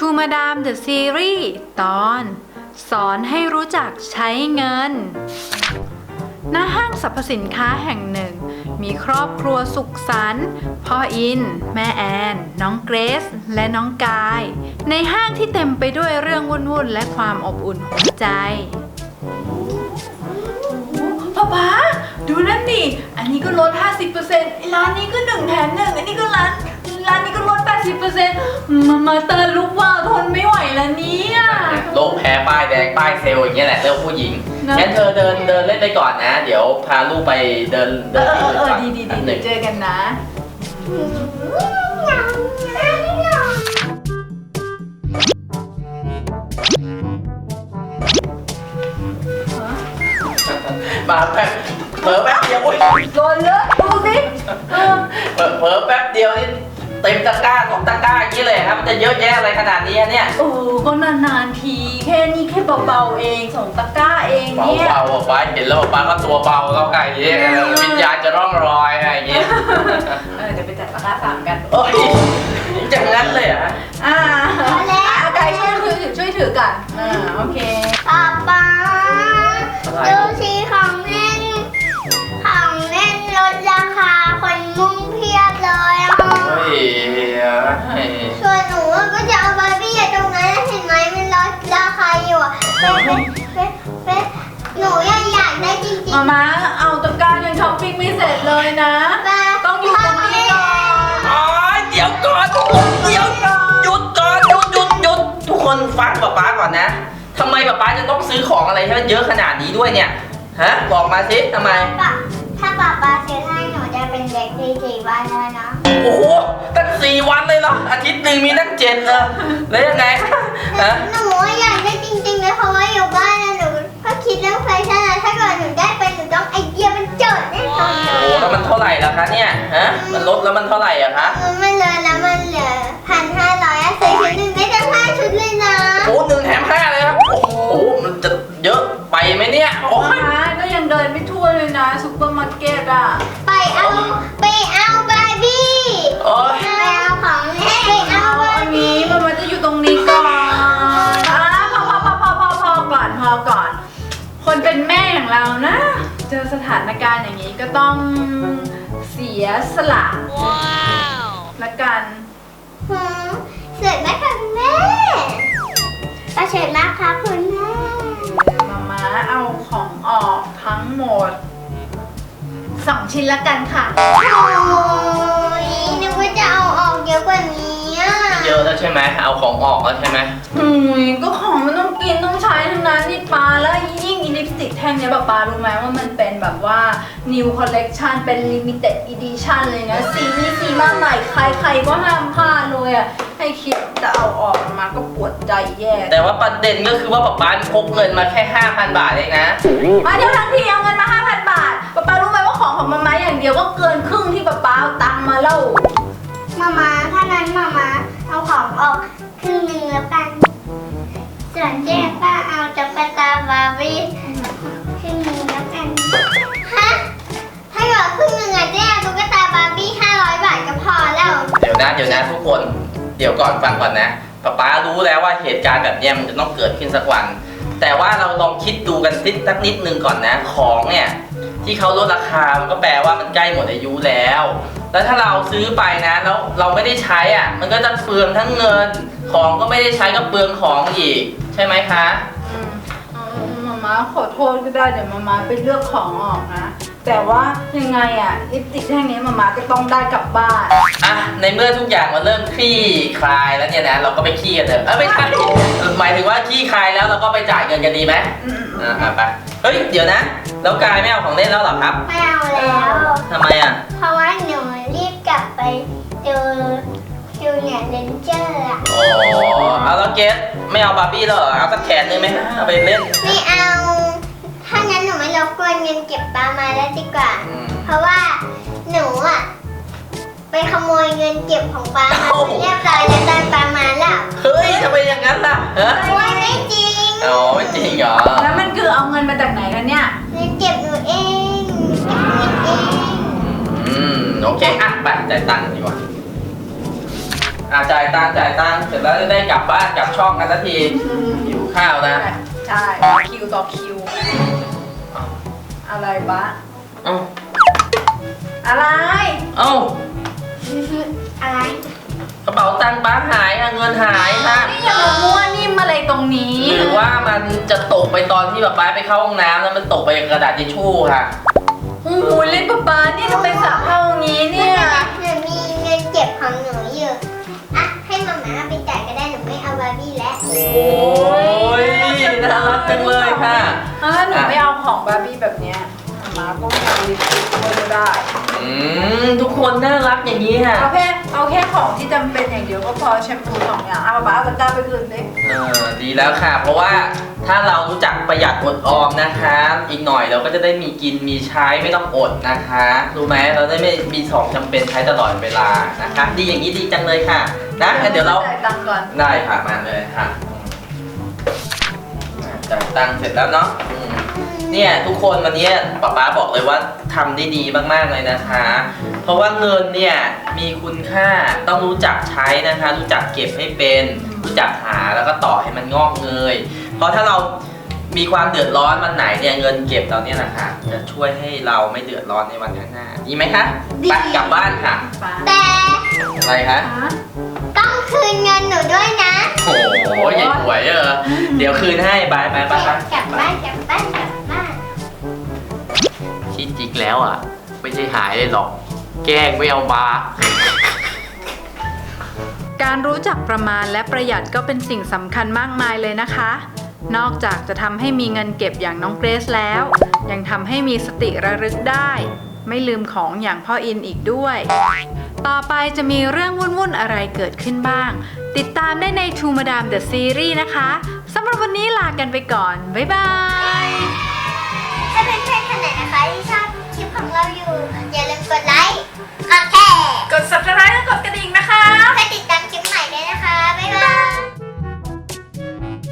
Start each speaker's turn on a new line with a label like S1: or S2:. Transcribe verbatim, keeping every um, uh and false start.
S1: ชูมาดามเดอะซีรีส์ตอนสอนให้รู้จักใช้เงินณห้างสรรพสินค้าแห่งหนึ่งมีครอบครัวสุขสันต์พ่ออินแม่แอนน้องเกรซและน้องกายในห้างที่เต็มไปด้วยเรื่องวุ่นๆและความอบอุ่นหัวใจป๊าป๊าดูนั่นดิอันนี้ก็ลด ห้าสิบเปอร์เซ็นต์ ร้านนี้ก็หนึ่งแถมหนึ่งอันนี้ก็ร้านร้านนี้ก็ลด แปดสิบเปอร์เซ็นต์ มามาเตอร์ลุกว่าทนไม่ไหวแล้วเนี่ย
S2: โลกแพ้ป้ายแดงป้ายเซลล์อย่างเงี้ยแหละเรื่องผู้หญิงงั้นเธอเดินเดินเล่นไปก่อนนะเดี๋ยวพาลูกไปเดินเดินที่อื่นก่อน
S1: ดีดีดีเจอกันนะ
S2: มาแป๊บเผลอแป๊บเดียวอุ้ย
S1: โดนเลยดูสิ
S2: เผลอเผลอแป๊บเดียวนี่เต็มตะกร้าของตะกร้าอย่างนี้เลยครับมันจะเยอะแยะอะไรขนาดนี้เนี่ย
S1: โอ้ก็นานๆทีแค่นี้แค่เบาๆเองสองตะกร้าเองเนี่ย
S2: เบาๆป้าเห็นแล้วป้าก็ตัวเบาแล้วไงเนี่ยวิญญาณจะร่องรอยอะไรอย่างเงี้ย
S1: เออเดี๋ยวไปจัดตะกร้าสามกัน
S2: โอ้ยจังนั้นเลยอ่ะ
S1: อ่าแล้วกายช่วยถือช่วยถือกันอ่าโอเค
S3: ป๊าป๊าดูสิของเล่นของเล่นลดราคาคนมุ่งเพียบเลยอ่ะส่วนหนูก็จะเอาบาร์บี้ตรงนั้นเห็นไหมมันลดราคาอยู่อ่ะเป๊ะเป๊ะเป๊ะหนูยังอยากได้จริงๆ
S1: มาม่าเอาตะกร้ายังช้อปปิ้งไม่เสร็จเลยนะต้องอยู่ตรงนี้ก่อน
S2: อ๋อเดี๋ยวก่อนเดี๋ยวหยุดก่อนหยุดหยุดหยุดทุกคนฟังป๊าป๊าก่อนนะทำไมป๊าป๊าจะต้องซื้อของอะไรที่มันเยอะขนาดนี้ด้วยเนี่ยฮะบอกมาสิทำไม
S3: ถ้าป๊าป๊าซื้อให้หนูจะเป็นเด็กดีสี่วันแล้วนะ
S2: โอ้โหตั้งสี่วันเลยเหรออาทิตย์หนึ่งมีตั้งเจ็ดเลยแล้วยังไงฮะ
S3: หนูอยากได้จริงๆเลยเพราะว่าอยู่บ้านนะหนูก็คิดเรื่องแฟชั่นนะถ้าเกิดหนูได้ไปหนูต้องไอเดียมันเจิดแน่นอน
S2: โอ้โหแล้วมันเท่าไหร่ล่ะคะเนี่ยฮะมันลดแล้วมันเท่าไหร่อะคะ
S3: มันเลยแล้วมันเหลือพันห้าร้อยอะซื้อชุดหนึ่งได้ตั้งห้าชุดเลยนะ
S2: โอ้หนึ่งแถมห้าเลยครับโอ้โหมันจะเยอะไปไหมเนี่ยโอ้
S1: ยก็ยังเดินไม่ทั่วเลยนะซุปเปอร์มาร์เก็ตอะ
S3: ไปเอาไปเอาบาร์บี้ไปเอาของเล่นไปเอา
S1: อันนี้มันมันจะอยู่ตรงนี้ก่อนอ่ะพอพอพอพอพอพอก่อนพอก่อนคนเป็นแม่อย่างเรานะเจอสถานการณ์อย่างนี้ก็ต้องเสียสละละกัน
S3: เสร็จไหมคะคุณแม่ก็เสร็จแล้วค่ะคุณแม่
S1: มาม่าเอาของออกทั้งหมดสองชิ้นละกันค่ะ
S3: โอ้ยนึกว่าจะเอาออกเยอะกว่านี้
S2: เยอะแล้วใช่ไหมเอาของออกแล้วใช่ไหม
S1: อืมก็ของมันต้องกินต้องใช้ทั้งนั้นนี่ปลาแล้วยิ่งอีลิปสติกแท่งเนี้ยแบบปลารู้ไหมว่ามันเป็นแบบว่า new collection เป็น limited edition เลยนะสีนี้สีมาใหม่ใครๆก็ห้ามพลาดเลยอ่ะให้คิดจะเอาออกมาก็ปวดใจแย่
S2: แต่ว่าประเด็นก็คือว่าป๊าป๊าพกเงินมาแค่ ห้าพัน บาทเองนะ
S1: มาเดี๋ยวทั้งทีเอาเงินมา ห้าพัน บาทป๊าป๊ารู้ไหมว่าของของมาม่าอย่างเดียวก็เกินครึ่งที่ป๊าป๊าเอาตังค์มาแล้ว
S3: มาม่าถ้านั้นมาม่าเอาของออกครึ่งหนึ่งแล้วกันส่วนแจ๊ป้าเอาตุ๊กตาบาร์บี้ครึ่งหนึ่งแล้วกันฮะถ้าเกิดครึ่งหนึ่งอะแจ๊ตุ๊กตาบาร์บี้ห้าร้อยบาทก็พอแล้ว
S2: เดี๋ยวนะเดี๋ยวนะทุกคนเดี๋ยวก่อนฟังก่อนนะป๊าป๊ารู้แล้วว่าเหตุการณ์แบบนี้มันจะต้องเกิดขึ้นสักวันแต่ว่าเราลองคิดดูกันสักนิดนึงก่อนนะของเนี่ยที่เขาลดราคามันก็แปลว่ามันใกล้หมดอายุแล้วแล้วถ้าเราซื้อไปนะแล้วเราไม่ได้ใช้อ่ะมันก็จะเปลืองทั้งเงินของก็ไม่ได้ใช้ก็เปลืองของอีกใช่ไหมคะ
S1: มาม่าขอโทษก็ได้เดี๋ยวมาม่าไปเลือกของออกนะแต่ว่ายังไงอ่ะลิปสติกแท่งนี้มาม่าก็ต้องได้กลับบ้าน
S2: อ่ะในเมื่อทุกอย่างมันเริ่มคลี่คลายแล้วเนี่ยนะเราก็ไปขี้กันเถอะเออไม่ใช่หมายถึงว่าขี้คลายแล้วเราก็ไปจ่ายเงินกันดีไหมอ่าไปเฮ้ยเดี๋ยวนะแล้วกายไม่เอาของเล่นแล้วหรอครับ
S3: ไม่เอาแล้ว
S2: ทำไมอ่ะ
S3: เพราะว่าหนูรีบกลับไปดูดูเนี่ยเลนเจอร์อ่ะ
S2: อ๋อเอาแล้วเกสไม่เอาบาร์บี้แล้วเหรอเอาสักแขนนึงไหมเอาไปเล่น
S3: ไม่เอาถ้างั้นหนูไม่รบกวนเงินเก็บปลามาแล้วดีกว่าเพราะว่าหนูอ่ะไปขโมยเงินเก็บของปลามาเรียบร้อยแล้วตอนปลามาแล้ว
S2: เฮ้ยทำไมอย่างนั้นล่ะฮะ
S3: ไม่จริง
S2: อ๋อไม่จริงเหรอ
S1: แล้วมันคือเอาเงินมาจากไหนกันเนี่ย
S3: เงินเก็บหนูเองเก็บเงินเอง
S2: อืมโอเคอ่ะไปจ่ายตังค์ดีกว่าอ่าจ่ายตังค์จ่ายตังค์เสร็จแล้วจะได้กลับบ้านกลับช่องกันสักทีหิวข้าวนะ
S1: ใช่คิวต่อคิว อะไรบ้า
S2: เอ้า
S1: อะไร
S2: เอ้า
S3: อะไร
S2: กระเป๋าตังค์ป้าหายอะเงินหายค่ะ
S1: นี่อย่ามามั่วนิ่มอะไรตรงนี้
S2: หรือว่ามันจะตกไปตอนที่แบบป้าไปเข้าห้องน้ำแล้วมันตกไปกับกระดาษทิชชู่ค่ะ
S1: โอ้โหเล่นป๊าป๊านี่ทำไมสระเข้าอย่างนี้เนี่ย
S3: หนูมีเงินเก็บของหนูอยู่อ่ะให้มาม่าไปจ่ายก็ได้หนูไม่เอาบาร์บี้แล้ว
S2: โอ้ยน่ารักจังเลยค่ะ
S1: ถ้าหนูไม่เอาของบาร์บี้แบบเนี้ยมาก็ไม่เอาลิปสติกด้วยก็ได้
S2: อืมทุกคนน่ารักอย่างนี้ค่ะ
S1: เอาแค่เอาแค่ของที่จำเป็นอย่างเดียวก็พอแชมพูสองอย่างเอาป๊าป๊าเอาตะกร้าไปคืนดิ
S2: เออดีแล้วค่ะ เพราะว่าถ้าเรารู้จักประหยัดอดออมนะคะ อีกหน่อยเราก็จะได้มีกินมีใช้ไม่ต้องอดนะคะรู้ไหมเราได้ไม่มีของจำเป็นใช้ตลอดเวลานะคะ ดีอย่างนี้ดีจังเลยค่ะนะงั้นเดี๋ยวเรา
S1: จ่ายตังค์ก่อน
S2: ได้ค่ะมาเลยค่ะอืมจ่ายตังค์เสร็จแล้วเนาะอืมเนี่ยทุกคนวันนี้ป๊าป๊าบอกเลยว่าทำได้ดีมากๆเลยนะคะ เพราะว่าเงินเนี่ยมีคุณค่าต้องรู้จักใช้นะคะ รู้จักเก็บให้เป็นรู้จักหาแล้วก็ต่อให้มันงอกเงย เพราะถ้าเรามีความเดือดร้อนวันไหนเนี่ยเงินเก็บเราเนี่ยนะคะจะช่วยให้เราไม่เดือดร้อนในวันข้างหน้าดีไหมคะไปกลับบ้านค่ะ
S3: แต่
S2: อะไรคะ
S3: ต้องคืนเงินหนูด้วยนะ
S2: โอ้โหใหญ่หวยเออเดี๋ยวคืนให้บายบายบายบาย
S3: กลับบ้านกลับบ้านกลับบ้าน
S2: ที่จริงแล้วอ่ะไม่ใช่หายเลยหรอกแกล้งไม่เอามา
S1: การรู้จักประมาณและประหยัดก็เป็นสิ่งสำคัญมากมายเลยนะคะ นอกจากจะทำให้มีเงินเก็บอย่างน้องเกรซแล้ว ยังทำให้มีสติระลึกได้ ไม่ลืมของอย่างพ่ออินอีกด้วย ต่อไปจะมีเรื่องวุ่นๆอะไรเกิดขึ้นบ้าง ติดตามได้ใน True Madam The Series นะคะสำหรับวันนี้ลากันไปก่อน บ๊ายบาย
S3: ถ้าเป็นเพื่อนๆคนไหนนะคะที่ชอบคลิปของเราอยู่ อย่าลืมกดไลค์กดแชร์
S1: กด Subscribe และกดกระดิ่งนะคะ